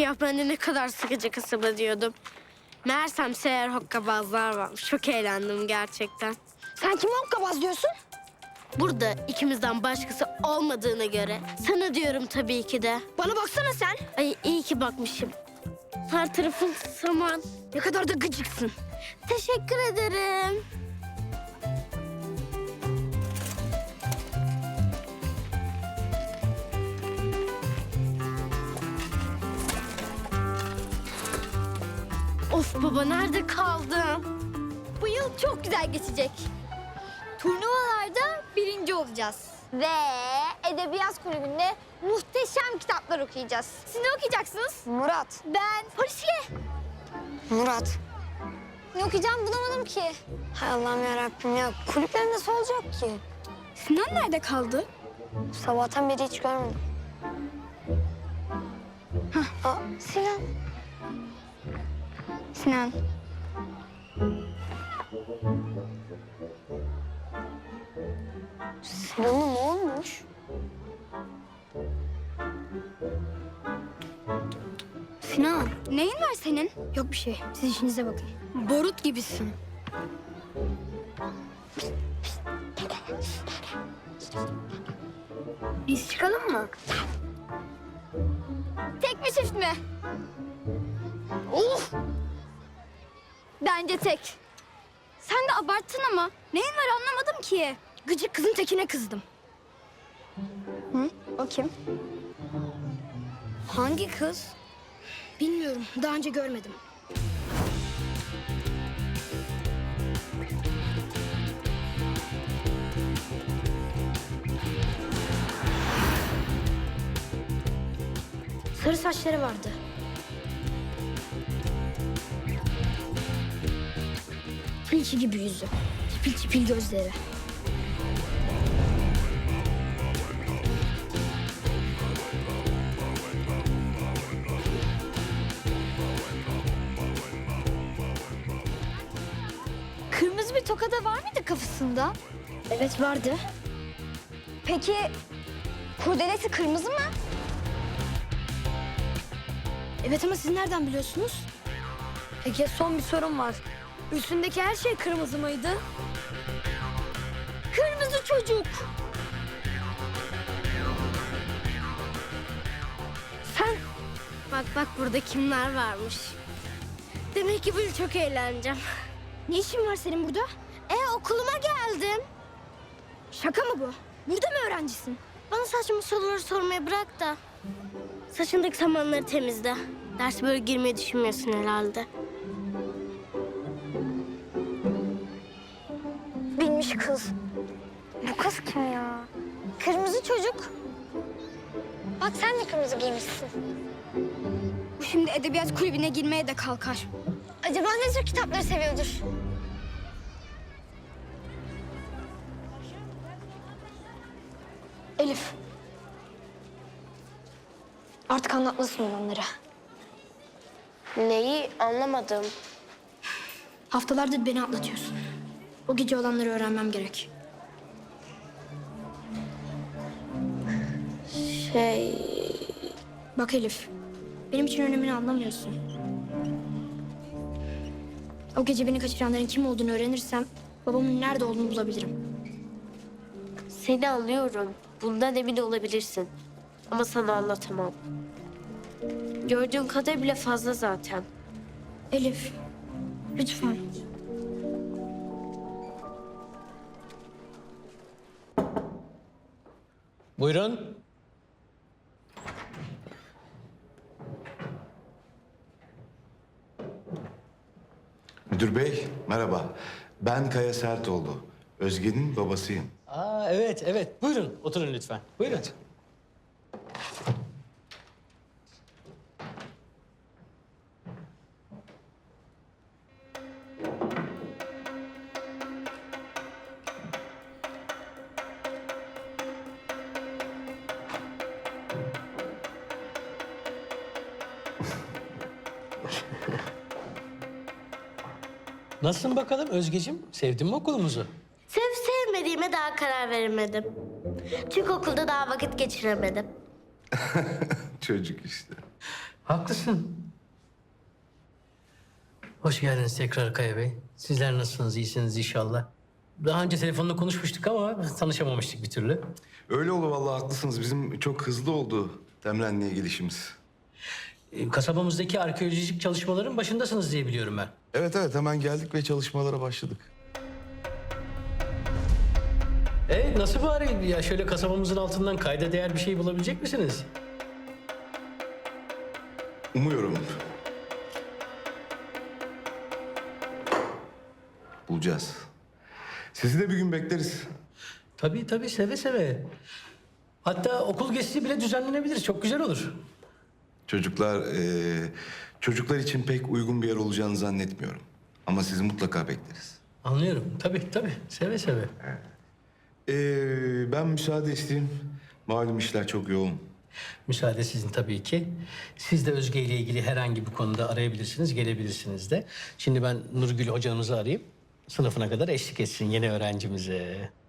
Ya ben de ne kadar sıkıcı kasaba diyordum. Meğersem seher hokkabazlar varmış. Çok eğlendim gerçekten. Sen kime hokkabaz diyorsun? Burada ikimizden başkası olmadığına göre sana diyorum tabii ki de. Bana baksana sen. Ay iyi ki bakmışım. Her tarafın saman. Ne kadar da gıcıksın. Teşekkür ederim. Of baba nerede kaldın? Bu yıl çok güzel geçecek. Turnuvalarda birinci olacağız. Ve Edebiyat Kulübü'nde muhteşem kitaplar okuyacağız. Siz ne okuyacaksınız? Murat. Ben polisiye. Murat. Ne okuyacağım bulamadım ki. Hay Allah'ım yarabbim ya. Kulüpler nasıl olacak ki? Sinan nerede kaldı? Sabahtan beri hiç görmedim. Aa, Sinan. Sinan. Sinan'a ne olmuş? Sinan, neyin var senin? Yok bir şey. Siz işinize bakın. Barut gibisin. Biz çıkalım mı? Tek mi çift mi? Of! Bence tek. Sen de abarttın ama. Neyin var anlamadım ki. Gıcık kızın tekine kızdım. Hı? O kim? Hangi kız? Bilmiyorum. Daha önce görmedim. Sarı saçları vardı. Tilki gibi yüzü. Çipil çipil gözleri. Kırmızı bir tokada var mıydı kafasında? Evet vardı. Peki kurdelesi kırmızı mı? Evet ama siz nereden biliyorsunuz? Peki son bir sorum var. Üstündeki her şey kırmızı mıydı? Kırmızı çocuk. Sen bak bak burada kimler varmış. Demek ki böyle çok eğleneceğim. Ne işin var senin burada? Okuluma geldim. Şaka mı bu? Burada mı öğrencisin? Bana saçma soruları sormaya bırak da. Saçındaki samanları temizle. Ders böyle girmeyi düşünmüyorsun herhalde. Bilmiş kız. Bu kız kim ya? Kırmızı çocuk. Bak sen de kırmızı giymişsin. Bu şimdi edebiyat kulübüne girmeye de kalkar. Acaba ne tür kitapları seviyordur? Elif. Artık anlatmasın olanları. Neyi anlamadım. Haftalardır beni atlatıyorsun. O gece olanları öğrenmem gerek. Bak Elif, benim için önemini anlamıyorsun. O gece beni kaçıranların kim olduğunu öğrenirsem babamın nerede olduğunu bulabilirim. Seni anlıyorum. Bundan emin olabilirsin. Ama sana anlatamam. Gördüğün kadar bile fazla zaten. Elif, lütfen. Buyurun. Müdür bey, merhaba. Ben Kaya Sertoğlu. Özge'nin babasıyım. Aa, evet, evet. Buyurun, oturun lütfen. Buyurun. Nasılsın bakalım Özgeciğim? Sevdin mi okulumuzu? Sevip sevmediğime daha karar veremedim. Çünkü okulda daha vakit geçiremedim. Çocuk işte. Haklısın. Hoş geldiniz tekrar Kaya Bey. Sizler nasılsınız? İyisiniz inşallah. Daha önce telefonla konuşmuştuk ama tanışamamıştık bir türlü. Öyle oldu vallahi, haklısınız. Bizim çok hızlı oldu Temren'le gelişimiz. Kasabamızdaki arkeolojik çalışmaların başındasınız diye biliyorum ben. Evet evet, hemen geldik ve çalışmalara başladık. Nasıl bari ya, şöyle kasabamızın altından kayda değer bir şey bulabilecek misiniz? Umuyorum. Bulacağız. Sizi de bir gün bekleriz. Tabii seve seve. Hatta okul gezisi bile düzenlenebilir. Çok güzel olur. Çocuklar için pek uygun bir yer olacağını zannetmiyorum. Ama sizi mutlaka bekleriz. Anlıyorum. Tabii. Seve seve. Ben müsaade isteyeyim. Malum işler çok yoğun. Müsaade sizin tabii ki. Siz de Özge ile ilgili herhangi bir konuda arayabilirsiniz, gelebilirsiniz de. Şimdi ben Nurgül hocamızı arayayım. Sınıfına kadar eşlik etsin yeni öğrencimize.